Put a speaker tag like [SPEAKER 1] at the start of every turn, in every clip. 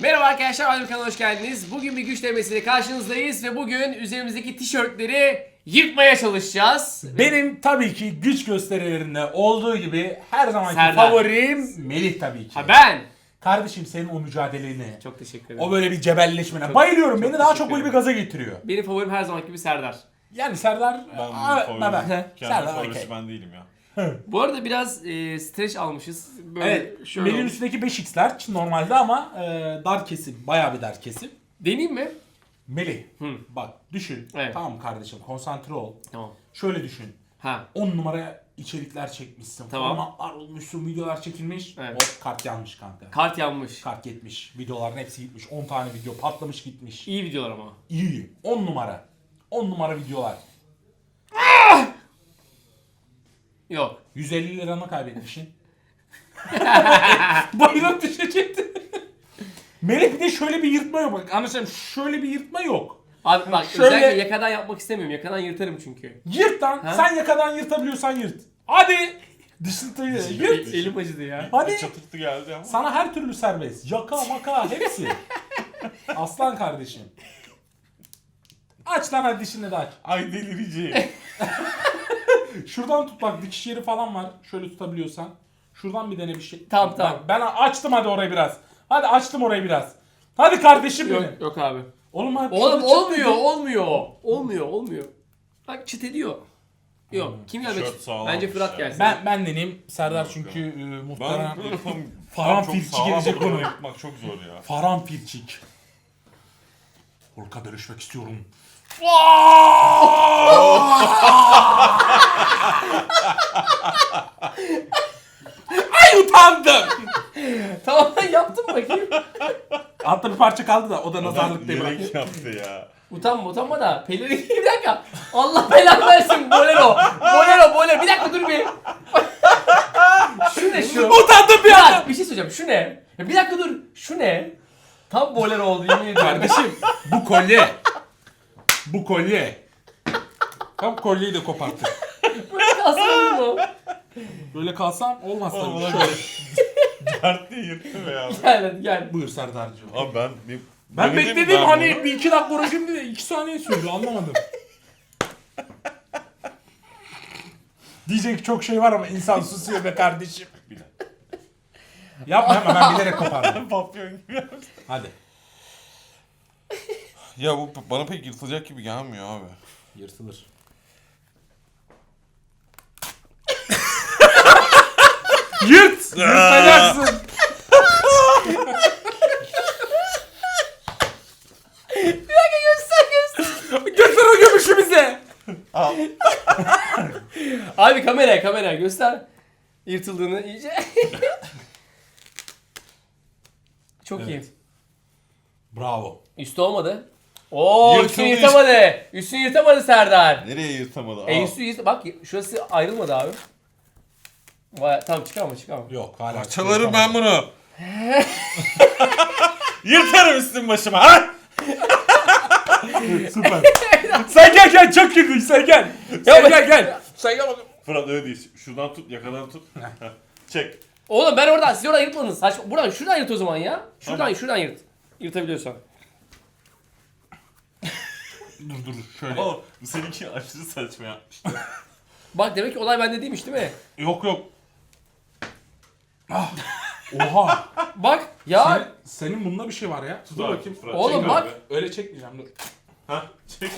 [SPEAKER 1] Merhaba arkadaşlar, Adem kanalına hoş geldiniz. Bugün bir güç denemesiyle karşınızdayız ve bugün üzerimizdeki tişörtleri yırtmaya çalışacağız.
[SPEAKER 2] Benim tabii ki güç gösterilerinde olduğu gibi her zamanki
[SPEAKER 1] Serdar.
[SPEAKER 2] favorim Melih tabii ki.
[SPEAKER 1] Ha ben.
[SPEAKER 2] Kardeşim senin o mücadeleni,
[SPEAKER 1] Çok teşekkür ederim.
[SPEAKER 2] o böyle bir cebelleşmene
[SPEAKER 1] Çok-
[SPEAKER 2] bayılıyorum.
[SPEAKER 1] çok
[SPEAKER 2] Beni daha çok
[SPEAKER 1] teşekkür
[SPEAKER 2] böyle bir
[SPEAKER 1] ederim.
[SPEAKER 2] gaza getiriyor.
[SPEAKER 1] Benim favorim her zamanki gibi Serdar.
[SPEAKER 2] Yani Serdar,
[SPEAKER 3] Kendi
[SPEAKER 2] Serdar
[SPEAKER 3] favorisi
[SPEAKER 2] okey.
[SPEAKER 3] ben değilim ya.
[SPEAKER 1] Bu arada biraz streç almışız. Böyle
[SPEAKER 2] Evet,
[SPEAKER 1] şöyle
[SPEAKER 2] Melih'in
[SPEAKER 1] olmuş.
[SPEAKER 2] üstündeki 5x'ler normalde ama dar kesim, bayağı bir dar kesim.
[SPEAKER 1] Deneyeyim mi?
[SPEAKER 2] Melih,
[SPEAKER 1] Hı.
[SPEAKER 2] bak düşün.
[SPEAKER 1] Evet.
[SPEAKER 2] Tamam kardeşim, konsantre ol.
[SPEAKER 1] Tamam.
[SPEAKER 2] Şöyle düşün.
[SPEAKER 1] Ha.
[SPEAKER 2] 10 numara içerikler çekmişsin.
[SPEAKER 1] Tamam.
[SPEAKER 2] Formatlar olmuşsun, videolar çekilmiş.
[SPEAKER 1] Evet.
[SPEAKER 2] Hop kart yanmış kanka.
[SPEAKER 1] Kart yanmış.
[SPEAKER 2] Kart gitmiş. Videoların hepsi gitmiş. 10 tane video patlamış gitmiş.
[SPEAKER 1] İyi videolar ama.
[SPEAKER 2] İyi. 10 numara. 10 numara videolar.
[SPEAKER 1] Yok.
[SPEAKER 2] 150 liranı kaybetmişsin. Bayılıp düşecekti. Melih bir de şöyle bir yırtma yok. Bak anlaşılan şöyle bir yırtma yok.
[SPEAKER 1] Abi bak
[SPEAKER 2] Şöyle-
[SPEAKER 1] özellikle yakadan yapmak istemiyorum. Yakadan yırtarım çünkü.
[SPEAKER 2] Yırt lan.
[SPEAKER 1] Ha?
[SPEAKER 2] Sen yakadan yırtabiliyorsan yırt. Hadi. Dışıntıyı yırt.
[SPEAKER 1] Elim acıdı ya.
[SPEAKER 2] Hadi.
[SPEAKER 3] Çatırtı geldi ama.
[SPEAKER 2] Sana her türlü serbest. Yaka maka hepsi. Aslan kardeşim. Aç lan hadi dişini de aç.
[SPEAKER 3] Ay delireceğim.
[SPEAKER 2] Şuradan tut bak dikiş yeri falan var. Şöyle tutabiliyorsan. Şuradan bir dene bir şey.
[SPEAKER 1] Tamam, tamam.
[SPEAKER 2] Bak, ben açtım hadi orayı biraz. Hadi açtım orayı biraz. Hadi kardeşim
[SPEAKER 1] Yok,
[SPEAKER 2] benim.
[SPEAKER 1] yok abi.
[SPEAKER 2] Oğlum abi.
[SPEAKER 1] Oğlum
[SPEAKER 2] şurada çıt
[SPEAKER 1] olmuyor,
[SPEAKER 2] dedi.
[SPEAKER 1] olmuyor. Bak çıt ediyor. Yok, kim gelmek
[SPEAKER 3] Tişört
[SPEAKER 1] istiyor?
[SPEAKER 3] sağlammış
[SPEAKER 1] Bence Fırat
[SPEAKER 3] ya.
[SPEAKER 1] gelsin.
[SPEAKER 2] Ben deneyeyim. Serdar
[SPEAKER 3] Yok,
[SPEAKER 2] çünkü
[SPEAKER 3] Ben
[SPEAKER 2] muhtemelen
[SPEAKER 3] böyle tam
[SPEAKER 2] Faranfilçi
[SPEAKER 3] çok
[SPEAKER 2] gelecek
[SPEAKER 3] sağlam
[SPEAKER 2] bunu.
[SPEAKER 3] yapmak çok zor ya.
[SPEAKER 2] Faranfilçik. Hulk'a dönüşmek istiyorum. Ay utandım.
[SPEAKER 1] Tamam yaptım bakayım.
[SPEAKER 2] Altta bir parça kaldı da o da nazarlık değil. bırak.
[SPEAKER 3] Bilerek yaptı ya.
[SPEAKER 1] Utanma da. Pelerin bir dakika. Allah belanı versin. Bolero. Bir dakika dur bir. Şu ne şu?
[SPEAKER 2] Utandım bir anda.
[SPEAKER 1] Ya bir şey söyleyeceğim. Şu ne? Ya bir dakika dur. Şu ne? Tam bolero oldu yemin ediyorum.
[SPEAKER 2] Kardeşim bu kolye. Bu kolye. Tam kolyeyi de koparttık.
[SPEAKER 1] Böyle kalsın mı?
[SPEAKER 2] Böyle kalsam olmaz tabii.
[SPEAKER 3] Oğlum,
[SPEAKER 2] Şöyle.
[SPEAKER 3] Dert diye yırttı be ya.
[SPEAKER 1] Gel hadi gel.
[SPEAKER 2] Buyur Serdar'cığım.
[SPEAKER 3] Abi
[SPEAKER 2] Ben
[SPEAKER 3] denedim
[SPEAKER 2] bekledim
[SPEAKER 3] ben
[SPEAKER 2] hani
[SPEAKER 3] bunu.
[SPEAKER 2] bir iki dakika uğraşayım dedi. 2 saniye sürdü anlamadım. Diyecek ki çok şey var ama insan susuyor be kardeşim.
[SPEAKER 3] Bir dakika.
[SPEAKER 2] Yapma ben bilerek kopardım.
[SPEAKER 3] Papyon gibi yaptı.
[SPEAKER 2] Hadi.
[SPEAKER 3] Ya bu bana pek yırtılacak gibi gelmiyor abi.
[SPEAKER 2] Yırtılır. Yırt! Yırtacaksın. Göster o gömüşü bize.
[SPEAKER 3] Al.
[SPEAKER 1] Abi kameraya göster. Yırtıldığını iyice. Çok iyi.
[SPEAKER 2] Evet. Bravo.
[SPEAKER 1] Üstü olmadı. Oo
[SPEAKER 3] Yırtıldı
[SPEAKER 1] üstünü yırtamadı. Üstünü yırtamadı Serdar.
[SPEAKER 3] Nereye yırtamadı?
[SPEAKER 1] Üstü yırt. Bak şurası ayrılmadı abi. Vay, tamam çıkarma.
[SPEAKER 2] Yok hala.
[SPEAKER 3] Parçalarım ben bunu. Yırtarım üstüm başıma ha.
[SPEAKER 2] Süper. Sen gel çok girdin sen gel. Sen gel. Sen gel bakayım.
[SPEAKER 3] Fırat öyle değil. Şuradan tut, yakadan tut. Çek.
[SPEAKER 1] Oğlum siz oradan yırtmadınız. Buradan şuradan yırt o zaman ya. Şuradan yırt. Yırtabiliyorsan.
[SPEAKER 2] Dur şöyle.
[SPEAKER 3] Ama bu seninki aşırı saçma yapmıştı.
[SPEAKER 1] Bak demek ki olay bende değilmiş değil mi?
[SPEAKER 2] Yok. Ah. Oha.
[SPEAKER 1] Bak ya.
[SPEAKER 2] Senin bunda bir şey var ya. Dur
[SPEAKER 3] abi,
[SPEAKER 2] bakayım.
[SPEAKER 3] Fırat,
[SPEAKER 1] Oğlum
[SPEAKER 3] çek
[SPEAKER 1] bak.
[SPEAKER 3] abi.
[SPEAKER 2] Öyle çekmeyeceğim dur.
[SPEAKER 3] Ha, çek.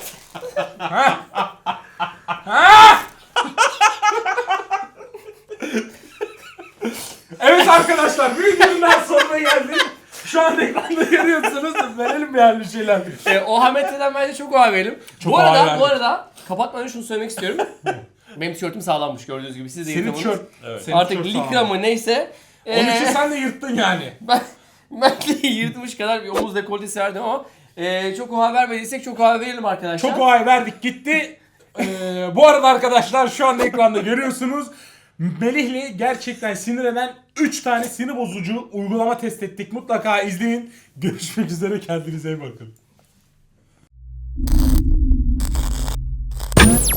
[SPEAKER 2] Evet arkadaşlar bir videonun daha sonuna geldik. Şu an ekranda görüyorsunuz. Verelim bir halde şeyler.
[SPEAKER 1] O Hamet'ten bence çok oha verelim.
[SPEAKER 2] Çok
[SPEAKER 1] Bu
[SPEAKER 2] oha
[SPEAKER 1] arada
[SPEAKER 2] verdik.
[SPEAKER 1] kapatmadan şunu söylemek istiyorum. Benim tişörtüm sağlammış gördüğünüz gibi. Siz de
[SPEAKER 2] Senin
[SPEAKER 1] yırtamadınız.
[SPEAKER 2] tişört.
[SPEAKER 3] Evet.
[SPEAKER 2] Senin
[SPEAKER 1] Artık
[SPEAKER 2] tişört
[SPEAKER 1] likra
[SPEAKER 2] sağlam.
[SPEAKER 1] mı neyse.
[SPEAKER 2] Onun için sen de yırttın yani.
[SPEAKER 1] Ben de yırtmış kadar bir omuz dekoltesi verdim ama çok oha vermediysek çok oha verelim arkadaşlar.
[SPEAKER 2] Çok olay verdik gitti. Bu arada arkadaşlar şu anda ekranda görüyorsunuz. Melih'le gerçekten sinir eden 3 tane sinir bozucu uygulama test ettik. Mutlaka izleyin. Görüşmek üzere kendinize iyi bakın.